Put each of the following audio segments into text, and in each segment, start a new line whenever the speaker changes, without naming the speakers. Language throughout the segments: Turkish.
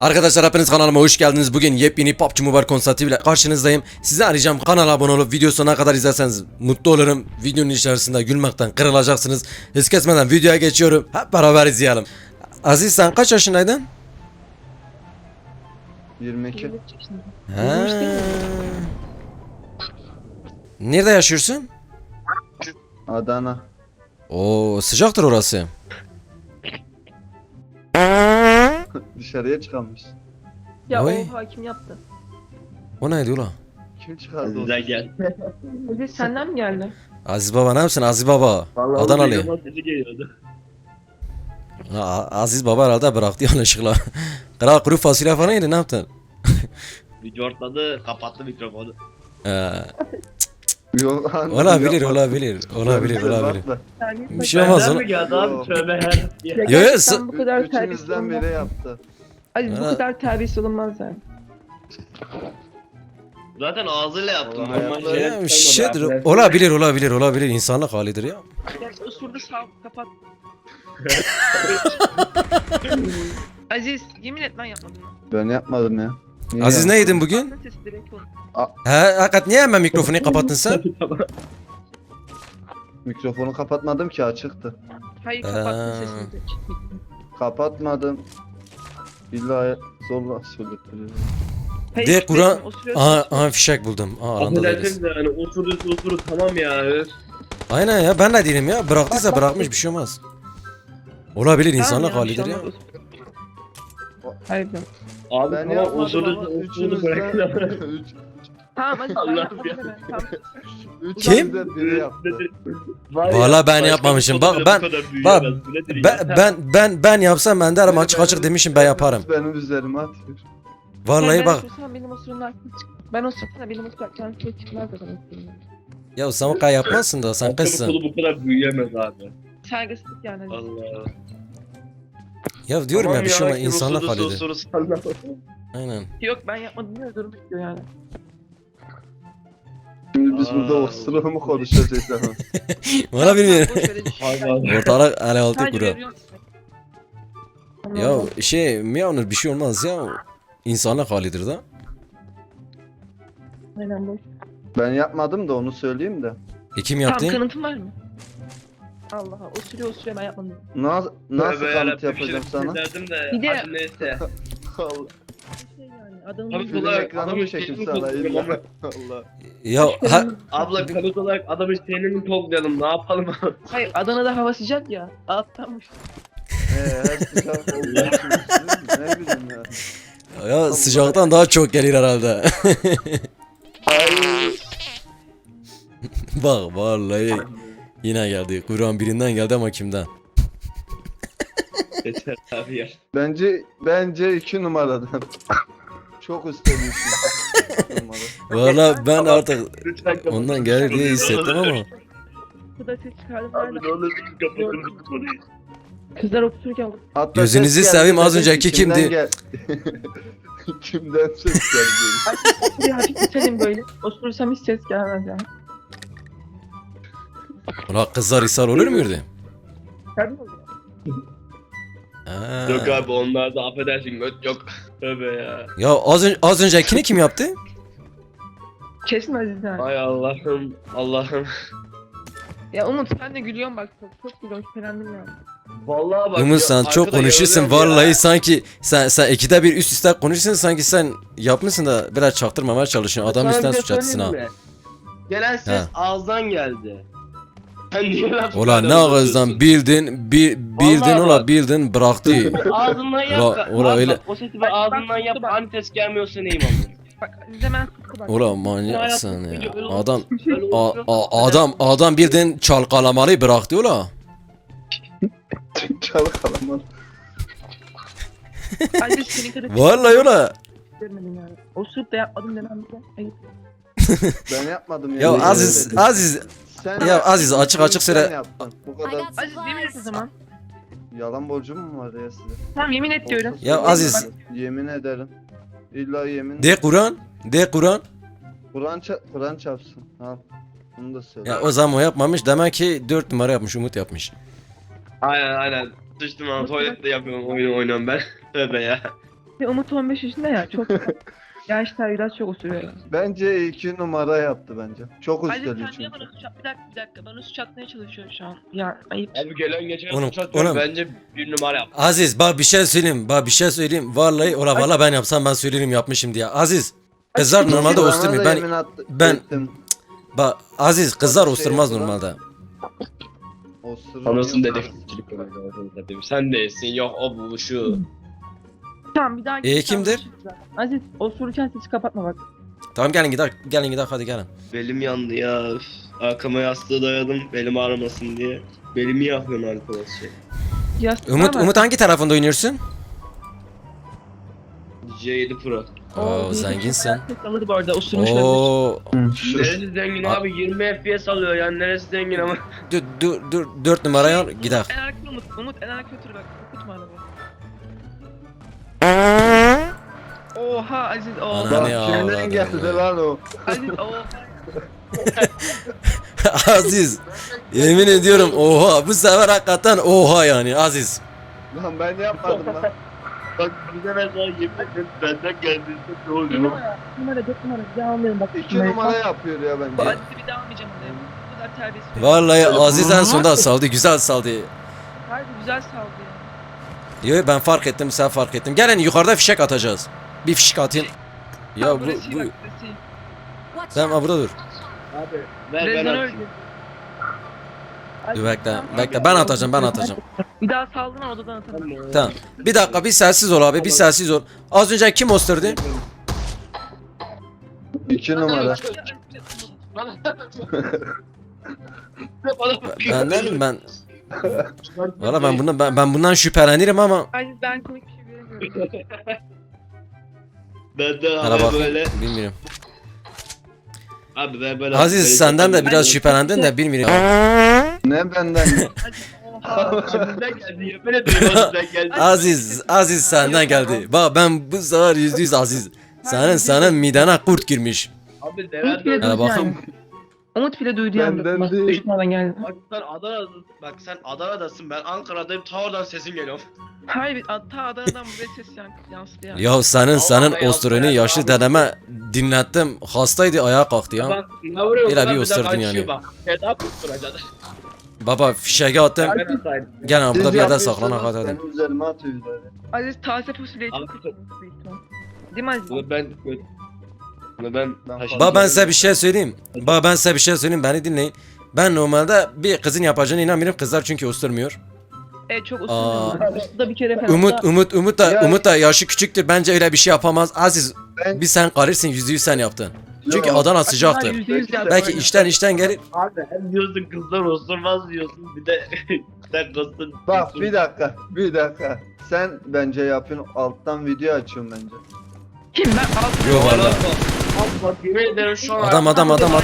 Arkadaşlar hepiniz kanalıma hoş geldiniz. Bugün yepyeni PUBG Mobile konseptiyle karşınızdayım. Sizi arayacağım. Kanala abone olup video sonuna kadar izlerseniz mutlu olurum. Videonun içerisinde gülmekten kırılacaksınız. Hız kesmeden videoya geçiyorum. Hep beraber izleyelim. Aziz sen kaç yaşındaydın?
22.
Ha. Nerede yaşıyorsun?
Adana.
Oo sıcaktır orası.
Dışarıya çıkarmış.
Ya
Oy.
o hakim yaptı.
O neydi ulan?
Kim çıkardı onu?
Güzel gel.
Öyle senden mi geldi?
Aziz baba ne yapsın Aziz baba? Adanalı.
Mikrofon sesi geliyordu.
Aziz baba herhalde bıraktı yanlışlıkla. Kral kuru fasulye falan yedi ne yaptın?
Video ortladı, kapattı mikrofonu.
Yok, anne,
Olabilir
yapma.
olabilir olabilir olabilir.
Bakma.
Bir şey olmaz
Benden
oğlum.
mi geldi abi?
Yok.
Tövbe
Ya
Yo, yo,
gerçekten bu kadar terbiyesiz
Üçümüzden
olmaz.
biri yaptı.
Ay bu
Ha.
kadar terbiyesiz olunmaz yani.
Zaten ağzıyla yaptım.
Vallahi
Normal
yaptım.
şeyler
Ya,
çıkarmadı.
şeydir, olabilir insanlık halidir ya.
Gel osurdu sağ kapat. Aziz yemin et ben yapmadım.
Ben yapmadım ya. Niye
Aziz ne
yaptın?
yedin bugün?
Aklın sesi direkt oldu.
He hakikat niye hemen mikrofonu kapattın sen?
Mikrofonu kapatmadım ki açıktı.
Hayır kapattın
Ee.
sesini direkt.
Kapatmadım. İlla zorla söylettiriyor.
Hayır,
De Kur'an.
bekle, osuruyorsun.
Aha fişek buldum. Aa aranda değiliz.
Affedersiniz de yani osurdu tamam ya.
Aynen ya ben de değilim ya. Bıraktıysa bırakmış bir şey olmaz. Olabilir
Tamam
insanlık
ya, bir
halidir
şey
ya.
olmaz. Hayır ben.
Abi
Ben
tamam
yapmadım ama
osurdu bırakın ama.
Tamam hadi ben
Allah'ım
yapmadım
ya.
deme. Tamam.
Üçümüzden biri yaptı.
Vallahi ben yapmamışım. Bak, ben yapsam ben derim açık açık demişim ben yaparım.
Benim üzerime atıyor.
Vallahi
Ben
bak.
osursam benim osurumdan aklı çık. Ben osursam benim osurumdan aklı çıkmaz zaten osurumdan.
Ya sen o kadar yapmazsın da sen kızsın.
Kolu bu kadar büyüyemez abi.
Saygısızlık yani.
Allah.
Ya diyorum ya bir şey olmaz
kim
insanlık
osurdu,
halidir.
osurdu, salla.
Aynen.
Yok ben yapmadım diye durum bitiyor yani.
Şimdi biz burada
Aa.
osuru mu konuşacağız ama?
Valla bilmiyorum.
Boş ver, hiç-
Allah.
Ortalık ele altı
Sadece
kuru.
veriyorsun.
Ya şey Miyaunur bir şey olmaz ya. İnsanlık halidir da.
Aynen boş.
Ben yapmadım da onu söyleyeyim de.
Kim
Tam
yaptı?
kanıtın var mı? Allah Allah osuruyor ben yapmadım.
Nasıl
Tövbe
kanıt
yarabbim,
yapacağım
bir şey
sana?
derdim de,
Bir de-
hadi neyse.
Allah.
Bir şey yani adamın
Abi,
Bizim
Ulan,
ekranımı
adamın
çekim
şeyini
sana
tutuyorum
illa.
ama.
Allah.
Ya ha,
Abla kanıt olarak adamın şeyini mi toplayalım ne yapalım abi?
Hayır Adana'da hava sıcak ya. Alttanmış.
Her sıcak olduğu için ne bileyim ya.
ya sıcaktan daha çok gelir herhalde.
Ay.
Bak vallahi yine geldi. Kur'an birinden geldi ama kimden?
Yeter abi ya.
Bence 2 numaradan. Çok üstlenmişsin.
Valla ben artık
Lütfen kapatın.
ondan gelir diye hissettim ama.
Bu da ses çıkardım.
Abi
nereden?
ne olur kapatın bu konuyu.
Kızlar otururken
Hatta
Gözünüzü
ses geldi,
seveyim, az
dedim
önceki
ki, kimden
kimdi?
Kimden ses geldi?
bir hafif itelim böyle. Osurursam hiç ses gelmez yani.
Ulan kızlar ishal olur muydu?
Geldi mi?
Ha.
Yok abi onlarda affedersin göt yok. Tövbe ya.
Ya az öncekini kim yaptı?
Kesin Aziz yani.
Ay Allah'ım Allah'ım.
Ya Umut sen de gülüyorsun bak. Çok gülüyorsun şüphelendim yani.
Vallahi bak.
Umut
ya,
sen çok
arkada
konuşursun
yarılıyor ya.
vallahi sanki sen ikide bir üst üste konuşursun sanki sen yapmışsın da biraz çaktırmamaya çalışıyorsun. Adam
Sana
üstten
bir şey
suç atsın ha.
söyleyeyim mi? Gelen ses
Ha.
ağızdan geldi. Sen niye laf
Ulan ne
böyle
ağızdan
uzatıyorsun?
bildin
Vallahi
ula
bak.
bildin bıraktı.
Ağzından yap.
Ula
Abi
öyle-
bak, o sesi bir ağzından yap.
Bak.
Hani ses gelmiyorsa neyim ama.
Bak Aziz hemen sıktı bak.
Ulan manyaksın ya. Adam
Böyle
adam bildin çalkalamalı bıraktı ula.
Çalık alaman.
Aziz senin kadar
Vallahi ula.
görmedim yani. Osurup da yapmadım demem ki. Ayıp.
Ben yapmadım
Ya Aziz
Sen
ya Aziz açık açık
sen
söyle.
yaptın. Bu kadar
Aziz yemin et o zaman.
yalan borcum mu var ya size?
Tamam yemin et diyorum.
Ya Aziz
Yemin ederim. İlla yemin.
de Kur'an.
Kur'an çarpsın. Al. Bunu da söyle.
Ya o zaman o yapmamış demek ki 4 numara yapmış Umut yapmış.
Aynen. Sıçtım lan tuvalette yapıyorum oyunu oynuyorum ben. Tövbe ya.
Umut 15 yaşında ya çok gençler biraz çok osuruyor.
Bence 2 numara yaptı bence. Çok
Aziz
üsteli
sen
çünkü.
niye bana suç at? Bir dakika bana suç atmaya çalışıyor şu an. Ya ayıp.
Abi gelen geçen
Oğlum,
uçatıyor.
oğlum.
Bence bir numara yap.
Aziz bak bir şey söyleyeyim. Bak bir şey söyleyeyim. Vallahi valla ben yapsam ben söylerim yapmışım diye. Aziz. Kızlar normalde
Bana da
osturmuyor.
yemin
ben-
ettim.
Bak Aziz kızlar
Şey
osturmaz
yapılan-
normalde.
Osurur.
dedektifçilik oynuyor. Sen değilsin. Yok o bu şu.
Tamam bir daha
Kimdir?
Aziz osururken sesi kapatma bak.
Tamam gelin gidelim hadi gelin.
Belim yandı ya. Üf. Arkama yastığı dayadım. Belim ağrımasın diye. Belimi yakıyorsun arkadaş.
Yastık
Umut hangi tarafında oynuyorsun?
C7 Pro.
Oo zenginsin.
Ses alır bu arada osurmuş olabilir.
Oo.
Neresi zengin abi? 20 FPS alıyor yani. Neresi zengin ama?
Dur 4 numarayı al gidelim.
En arkada Umut en arkada otur bak. Okutma arabayı. Oha Aziz oha.
Ana
Bak
ne ya,
kimden
Allah'ım
geldi
ya.
lan o?
Aziz oha.
Aziz. Yemin ediyorum oha bu sefer hakikaten oha yani Aziz.
Lan ben yapmadım lan.
Bak bir de ben sana yemin ederim benden geldiğinde ne
Bir
oluyor?
numara 4 numara bir daha almayalım bak.
2 numara yapıyor ya
Bu
bence.
Aziz'i bir daha almayacağım oraya. Bu kadar terbiyesiz.
Vallahi Aziz en sonunda saldı güzel saldı.
Harbi güzel saldı ya.
Yo ben fark ettim sen fark ettin. Gelin yukarıda fişek atacağız. Bir fişek atayım. Ya bu
Burası iyi
bu
bak, burası iyi.
tamam burada dur.
Abi ver ben
Rezon
atayım.
öldü.
Dur bekle ben atacağım.
Bir daha saldın odadan atalım.
Tamam. Bir dakika bir sessiz ol abi bir sessiz ol. Az önce kim osturdu?
2 numara.
Ben valla ben bundan şüphelenirim ama
Aziz ben komik bir şey göremiyorum.
Benden
hala
abi
bak
böyle.
bilmiyorum.
Abi ver ben
Aziz senden de biraz şüphelendin de bilmiyorum.
Ne benden?
Oha.
Şimdiden geldi yemin ediyorum şimdiden geldi.
Aziz senden geldi. Bak ben bu sefer %100 Aziz. Senin midene kurt girmiş.
Abi
Umut
neler
bile
Hala
duydu
bakın.
yani. Umut bile duydu yani.
Benden
Bak,
değil.
düşmandan geldi.
Bak sen Adana'dasın. Bak sen Adana'dasın. Ben Ankara'dayım. Ta oradan sesim geliyor.
Hayır ta Adana'dan buraya ses yansıdı yani.
Ya senin
Vallahi
osturunu
ya,
yaşlı
abi.
dedeme dinlettim. Hastaydı ayağa kalktı ya.
Bak ne vuruyorsun?
Biraz bir
Lan de
osturdun
kaçıyor
yani.
Bak. Feda kusturacak.
Baba fişeği attım.
Ben atayım.
Gel abi burada
Siz
bir yerde
yapıyorsunuz,
saklana kadar.
benim üzerime atıyor böyle.
Aziz taze fasulyeyi
Abi,
çok kötü. Değil mi Aziz?
Bunu ben
Ben
taşıdım.
Baba ben size bir şey söyleyeyim. Beni dinleyin. Ben normalde bir kızın yapacağına inanmıyorum. Kızlar çünkü osturmuyor.
Çok
Aa.
usulüm ben. Da bir kere falan.
Ya-
Umut da yaşı küçüktür. Bence öyle bir şey yapamaz. Aziz
Ben-
bir sen karırsın %100 sen yaptın. Çünkü
Yok.
Adana sıcaktır.
%100 yaptı.
Belki işten gelir.
Abi hem diyorsun kızlar osturmaz diyorsun. Bir de sen kızsın.
Bak bir dakika. Sen bence yapıyorsun alttan video açıyorsun bence.
Kim ben altı.
Yo valla.
Bak yemin ederim şu an.
Adam.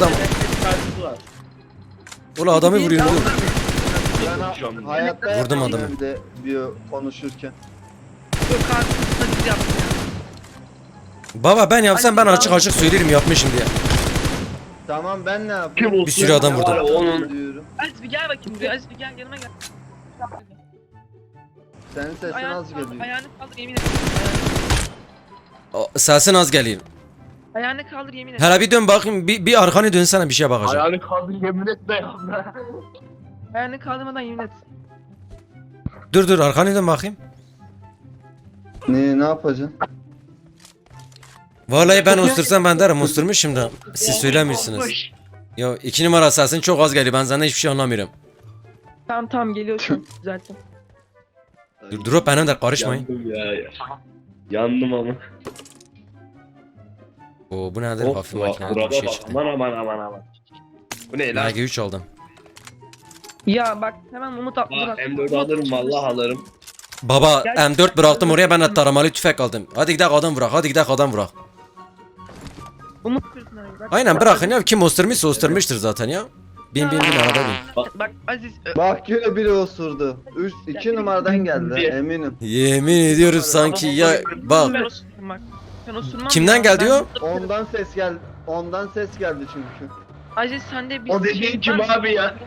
Ula adamı vuruyor. Dur.
Ben hayatta
Vurdum
yapmadım
adamı.
bir de bir konuşurken.
Yok karşısında Aziz yaptı ya.
Baba ben yapsam ben açık söylerim yapmışım diye.
Tamam ben ne yapayım?
Kim olsun?
Bir sürü adam vurdu.
Var, Onun
Diyorum.
Aziz bir gel bakayım buraya. Aziz bir gel yanıma gel.
Senin sesin az
Ayağını
geliyor.
kaldır, ayağını kaldır yemin ederim.
Sesin az geliyor.
Ayağını kaldır yemin ederim.
Hele bir dön bakayım bir arkanı dönsene bir şeye bakacağım.
ayağını kaldır yemin etme ya.
Ayağını kaldırmadan yemin et.
Dur arkanı dön bakayım.
Ne yapacaksın?
Vallahi ben ostursam ben derim osturmuşum da. Siz söylemiyorsunuz. Ya 2 numara sesin çok az geliyor ben senden hiçbir şey anlamıyorum.
Tamam geliyorsun zaten.
Durup benim de karışmayın.
Yandım ya. Yandım ama.
Oo bu nedir hafif makine bir
Burada
şey
bak.
çıktı.
Aman. Bu ne lan?
MG3 aldım.
Ya bak hemen Umut atladı
Aa,
bak.
M4'ü alırım vallahi alırım.
Baba M4 bıraktım oraya ben de taramalı tüfek aldım. Hadi gidelim adam bırak.
Umut kırsın abi bak.
Aynen bırakın ya kim osturmuşsa osturmuştur zaten ya. Bin arada bin.
Bak Aziz.
Bak yine biri osurdu. 2 numaradan geldi eminim.
Yemin ediyoruz sanki ya
Ben
bak.
osurmam bak. Ben osurmam.
Kimden
ya,
geldi
ben-
o?
Ondan ses geldi çünkü.
Aziz sende bir
O dediğin kim
var mı?
abi ya?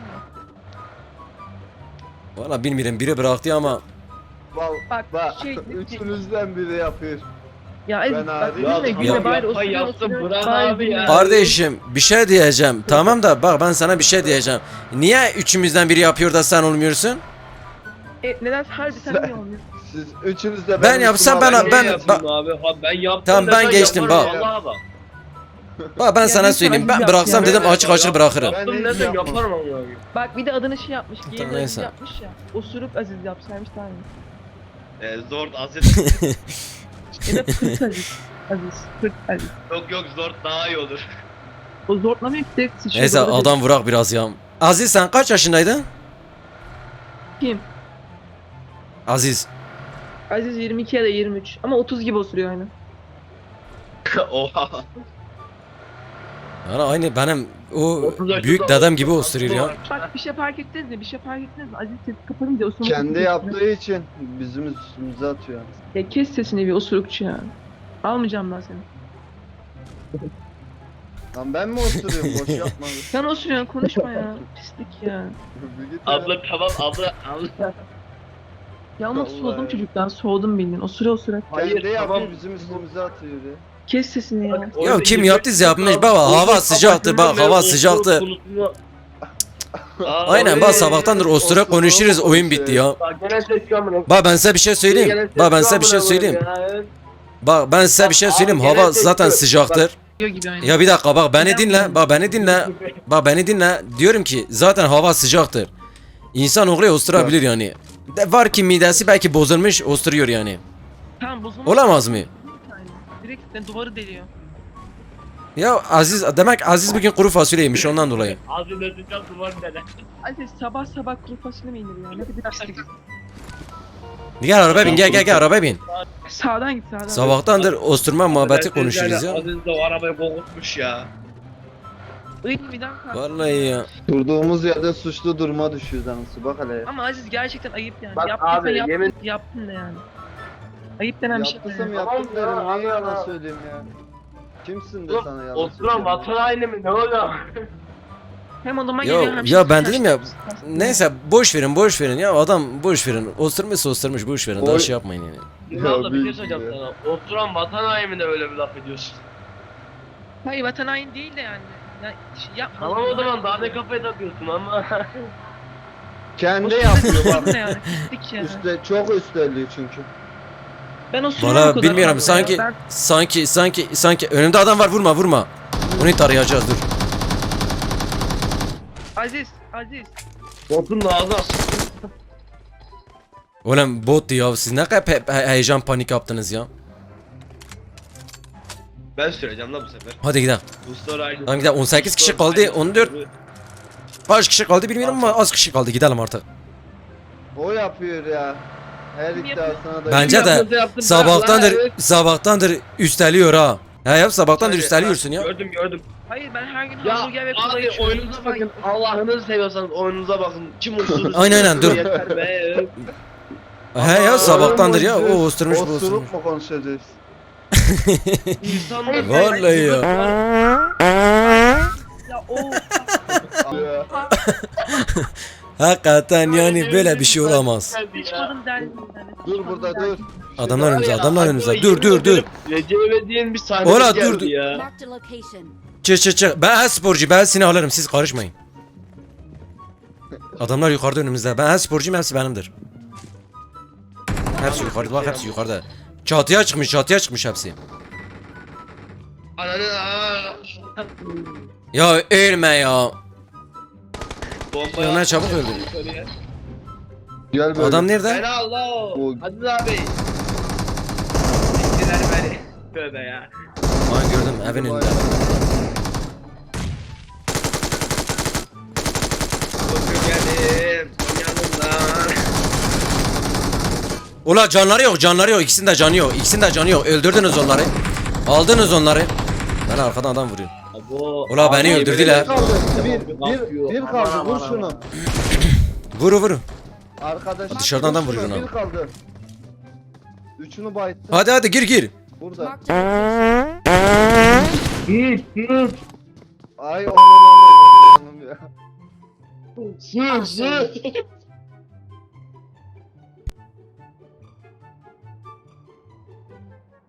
Valla bilmiyorum biri bıraktı ama
Bak
Bak,
bak
şey-
üçünüzden biri yapıyor.
Ya Aziz
Ben
bak
abi-
gülme gülme bari
yapma,
osuruyor
yaptım,
osuruyor.
bırak
Bari
abi
gülme.
ya.
Kardeşim bir şey diyeceğim. Tamam da bak ben sana bir şey diyeceğim. Niye üçümüzden biri yapıyor da sen olmuyorsun?
Neden harbi sen niye olmuyorsun?
Siz üçünüz de
Ben yapsam ben-
Niye
ben-
yapayım abi? Ha, ben yaptım.
Tamam, ben
desen
geçtim,
yaparım,
bak.
Vallahi bak.
Bak ben
Ya
sana
lütfen
söyleyeyim. Ben
yap
bıraksam
ya.
dedim açık açık bırakırım.
Ben
Yaptım
hiç
desem
yapmam.
yaparım ama abi.
Bak bir de adını şey yapmış. Giyim
Tamam,
Aziz
neyse.
yapmış ya. Osurup Aziz yapsaymış daha iyi.
Zor Aziz.
Ya da Pırt Aziz. Aziz. Pırt Aziz.
Yok zor daha iyi olur.
O zorlamıyor ki direkt sıçıyor.
Neyse
Doğru
adam vurak biraz ya. Aziz sen kaç yaşındaydın?
Kim?
Aziz.
Aziz 22 ya da 23. Ama 30 gibi osuruyor aynı.
Oha.
Yani aynı benim o
30 yaşında
büyük dedem gibi osturuyor ya.
Bak bir şey fark ettiniz mi? Bir şey fark ettiniz mi? Aziz sesi kapatınca osurmak
Kendi
osuruyor.
yaptığı için bizim üstümüze atıyor.
Ya kes sesini bir osurukçu ya. Almayacağım ben seni.
Lan ben mi oturuyorum? Boş yapma.
Sen osuruyorsun konuşma ya. Pislik ya.
Bir git ya.
Abla tamam abla.
Ya ama
Vallahi.
soğudum çocuktan. Soğudum bildiğin. Osura osura.
Kendi
Hayır,
yapıyor
tamam.
bizim üstümüze atıyor ya.
Kes sesini ya.
Ya kim yaptıysa yapmış baba, hava sıcaktır, bak, hava sıcaktır. Aynen bak sabahtandır ostura konuşuruz, oyun bitti ya.
Bak gene ses kamera.
Bak ben size bir şey söyleyeyim. Bak ben size bir şey söyleyeyim. Bak ben size bir şey söyleyeyim. Hava zaten sıcaktır.
Diyor gibi aynı.
Ya bir dakika bak beni dinle. Bak beni dinle. Bak beni dinle. Diyorum ki zaten hava sıcaktır. İnsan oğlu osturabilir yani. Var ki midesi belki bozulmuş osturuyor yani.
Tamam bozulmuş.
Olamaz mı?
Direkt duvarı deliyor.
Ya Aziz demek Aziz bugün kuru fasulye yemiş ondan dolayı.
Ağzını öteceğim duvar dede.
Aziz sabah sabah kuru fasulye mi yenir ya? Ne bir pislik.
Gel arabaya bin, gel arabaya bin.
Sağdan git sağdan.
Sabahtandır osturma muhabbeti konuşuyoruz ya.
Aziz de o arabayı kokutmuş ya.
Ilk bir daha kalk.
Vallahi ya.
Durduğumuz yerde suçlu duruma düşüyoruz anası. Bak hele.
Ama Aziz gerçekten ayıp yani.
Bak
Yaptıysan
abi,
yaptın,
yemin-
yaptın da yani. Ayıp denen bir şey.
Yaptıysam
yani.
yaptım
Tamam ya,
derim. Niye
Allah.
yalan söyleyeyim ya? Kimsin de sana yalan
Oturan
söyleyeyim?
vatan haini mi ne oluyor?
Hem odama
Ya-
geliyor hem
ya ben
saç-
dedim ya,
saç-
Neyse boş verin ya adam boş verin. Osturmuşsa osturmuş boş verin. Daha
Oy.
şey yapmayın yani.
Şimdi abla bir şey
büyük
söyleyeceğim
ya.
sana. Oturan vatan haini mi de öyle bir laf ediyorsun?
Hayır vatan hain değil de yani. Ya, yapma.
Tamam o zaman daha ne kafaya takıyorsun ama.
Kendi yapıyor bak.
Ne yani? Pislik ya.
Üstte, çok üstelliyor çünkü.
Ben o sürüyorum
Valla
o kadar
bilmiyorum
fazla ya.
sanki önümde adam var, vurma. Onu tarayacağız dur.
Aziz.
Botun da ağzı aç.
Oğlum bottu ya, siz ne kadar heyecan panik yaptınız ya.
Ben süreceğim la bu sefer.
Hadi gidelim.
Bu story aynı.
Hadi gidelim, 18 kişi kaldı, 14 kaç kişi kaldı bilmiyorum ama az kişi kaldı, gidelim artık.
O yapıyor ya. Her
Kim
iddiasına da.
Bence de sabahtandır üsteliyor ha. Ya yap sabahtandır üsteliyorsun ya.
Gördüm.
Hayır ben her gün
Ya
hamburger ve kola
abi
içiyorum.
oyununuza bakın. Allah'ınızı seviyorsanız oyununuza bakın. Kim uçtu?
Aynen, dur.
Yeter be.
He ya sabahtandır ya, o osturmuş bu osturmuş.
Osurup mu konuşacağız?
İnsanlar
Vallahi ya.
Ya o.
Ya.
Hakikaten yani böyle bir şey olamaz.
Sıçmadım derdim.
Dur burada dur.
Adamlar önümüzde, dur.
Recep İvedik'in bir sahnesi
Ola,
geldi
dur.
ya.
Marked a location.
Çık. Ben her sporcu, ben seni alırım, siz karışmayın. Adamlar yukarıda önümüzde. Ben her sporcuyum, hepsi benimdir. Hepsi yukarıda, bak hepsi yukarıda. Çatıya çıkmış hepsi.
Ananı
Ya ölme ya.
Bomba
Ya ne çabuk öldü.
Gel böyle.
Adam nerede?
Beni Allah.
O-
Aziz abi. Siktiler beni. Tövbe ya.
Aa gördüm, evin önünde.
Bugün geldim. Yanımdan.
Ula canları yok. İkisinin de canı yok. Öldürdünüz onları. Aldınız onları. Ben arkadan adam vuruyorum.
Abo.
Ula beni
Abi,
öldürdüler.
Bir kaldı. Vur şunu.
Vurun.
Arkadaş.
Dışarıdan adam
vur şunu,
vuruyor
Bir kaldı. Üçünü bayıttı.
Hadi gir.
Burada.
Marked a location.
Ay onun ya.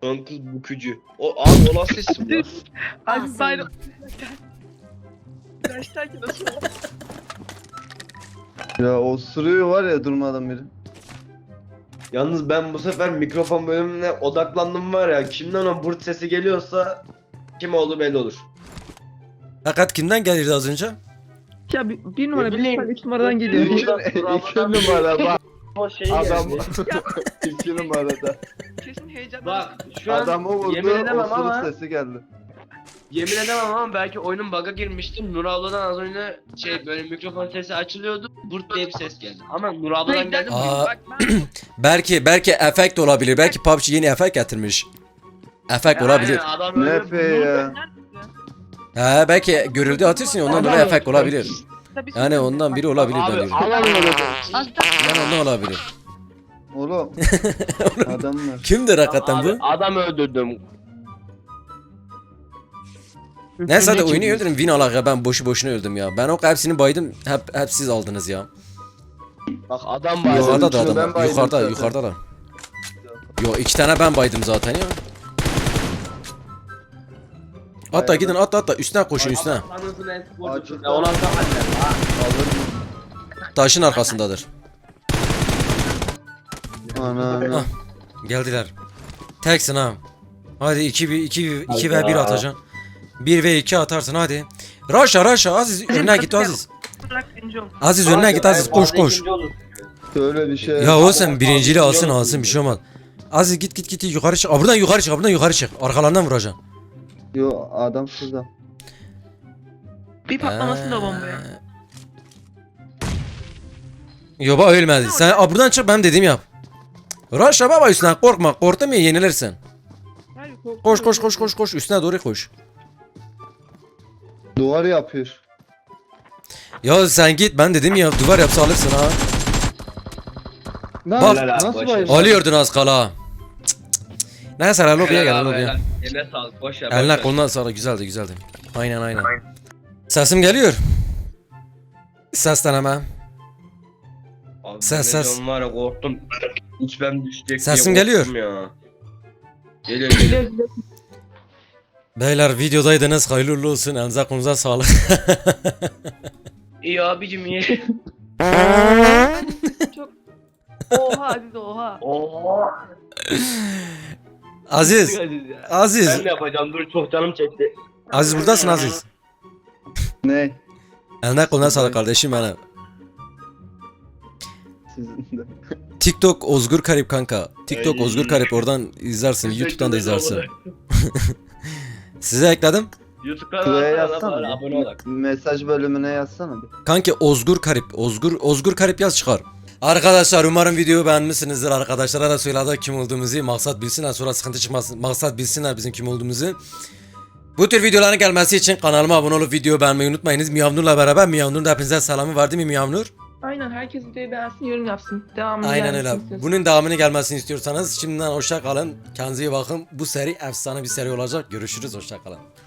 Son kız bükücü. O abi o nasıl isim lan?
Abi
Awesome.
bayram. Gerçekten nasıl?
Ya o sürüyor var ya durmadan biri.
Yalnız ben bu sefer mikrofon bölümüne odaklandım var ya. Kimden o burt sesi geliyorsa kim oldu belli olur.
Fakat kimden gelirdi az önce?
Ya bir numara,
Ne
bir
bileyim.
numara, 3 numaradan geliyor.
İki numara bak.
O şey
Adam
geldi.
iki numarada.
Kesin heyecan.
Bak şu an
Adamı vurdu,
yemin edemem
osuruk
ama
sesi geldi.
yemin edemem ama belki oyunun bug'a girmiştim. Nur abladan az önce böyle mikrofon sesi açılıyordu. Burt diye bir ses geldi. Ama Nur abladan geldi mi?
Aa.
Bak ben
Belki efekt olabilir. Belki PUBG yeni efekt getirmiş. Efekt olabilir.
Aynen, adam
Ne
öyle
fe ya.
He belki görüldü atıyorsun ya ondan dolayı efekt olabilir.
tabii
Yani ondan biri olabilir ben
Abi
diyorum.
aman öyle.
Az daha
Yani ondan olabilir.
Oğlum. Adamlar.
Kimdir hakikaten bu?
Abi, adam öldürdüm.
Neyse hadi oyunu öldürün win alak ya ben boşu boşuna öldüm ya. Ben o hepsini baydım hep siz aldınız ya.
Bak adam var.
Yukarıda da
üçünü ben
adam
baydım
yukarıda
zaten.
yukarıda. Yo 2 tane ben baydım zaten ya. Hatta
Bayağı
gidin atla üstüne koşun üstüne.
Anasını en sporcu.
Açık.
Ya ona
Alır
Taşın arkasındadır.
Ana.
Ah. Geldiler. Teksin ha. Hadi 2 ve 1 atacaksın. 1 ve 2 atarsın hadi. Raşa Aziz önüne git Aziz.
bırak birinci ol.
Aziz önüne git Aziz koş.
Şöyle bir şey.
Ya o sen birinciliği alsın bir şey olmaz. Aziz git yukarı çık. Aa, buradan yukarı çık. Arkalarından vuracaksın.
Yo adam şurada.
Bir patlamasın da bombaya.
Yoba ölmedi. Sen buradan çık ben dediğimi yap. Raşa baba üstüne korkma. Korktun mu yenilirsin.
Hayır, korkma.
Koş üstüne doğru koş.
Duvar yapıyor.
Ya sen git ben dedim ya duvar yapsa alırsın ha.
Lan
Bak.
nasıl bayım?
Alıyordun az kala. Neyse lan lobiye gel lobiye.
Eline sağlık boş ver.
Eline kolundan sağlık güzeldi. Aynen. Sesim geliyor. Ses deneme. Ses.
Ses. Var ya korktum. İçmem düşecek
Sesim
diye
geliyor.
korktum Ya. Geliyor.
Beyler videodaydınız hayırlı uğurlu olsun elinize kolunuza sağlık.
İyi abicim iyi.
Oha Aziz oha.
Oo.
Aziz.
Ben de yapacağım dur çok canım çekti.
Aziz buradasın Aziz.
Ne?
Eline koluna sağlık kardeşim benim.
Sizin de.
TikTok Ozgur Karip kanka. TikTok
Ay.
Ozgur Karip oradan izlersin. YouTube'dan da izlersin. Size ekledim.
YouTube'dan
Şuraya
yazsana
yazsana
bari,
bir.
abone olak.
Mesaj bölümüne yazsana bir.
Kanki Ozgur Karip. Ozgur Karip yaz çıkar. Arkadaşlar umarım videoyu beğenmişsinizdir. Arkadaşlara da söyledik kim olduğumuzu. Maksat bilsinler sonra sıkıntı çıkmasın. Maksat bilsinler bizim kim olduğumuzu. Bu tür videoların gelmesi için kanalıma abone olup videoyu beğenmeyi unutmayınız. Miyavnur'la beraber Miyavnur'un da hepinize selamı var değil mi Miyavnur?
Aynen herkes videoyu beğensin yorum yapsın. Devamını
Aynen öyle.
gelmesini istiyorsun.
Bunun devamını gelmesini istiyorsanız şimdiden hoşça kalın. Kendinize iyi bakın. Bu seri efsane bir seri olacak. Görüşürüz hoşça kalın.